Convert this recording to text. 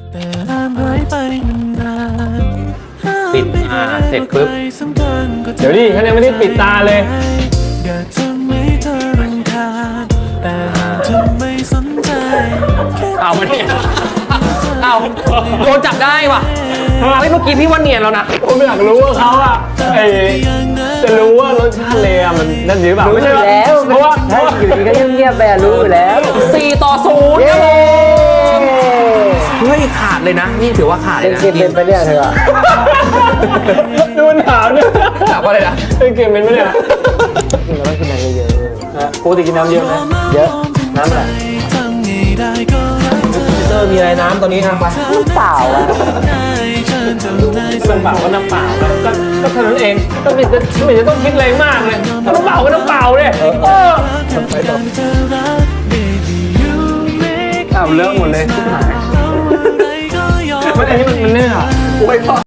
ปิดเสร็จปุ๊บเดี๋ยวดิฉันยังไม่ได้ปิดตาเลยเอามาเนี่ยเอาโดนจับได้ว่ะเฮ้ยเมื่อกี้พี่ว่าเนียนแล้วนะผมอยากรู้ว่าเขาอะจะรู้ว่ารสชาติเลยอะมันนั่นหรือเปล่าไม่ใช่แล้วเพราะว่าอยู่ดีก็เงียบๆไปรู้อยู่แล้ว 4-0ครับผมเฮ้ยขาดเลยนะนี่ถือว่าขาดเลยนะเกมเป็นไปเนี่ยเธอดูมันถามเนี่ยถามว่าอะไรนะเป็นเกมเป็นไหมเนี่ยกินเราต้องกินน้ำเยอะปกติกินน้ำเยอะไหมๆเยอะน้ำอะไรมีอะไรน้ำตอนนี้ทำไปเปล่าอะน้ำเปล่าก็น้ำเปล่าก็เท่านั้นเองก็ไม่จะต้องคิดอะไรมากเลยน้ำเปล่าก็น้ำเปล่าเลยเอาเลิกหมดเลยทุกหายมันอันนี้มันเนื้อ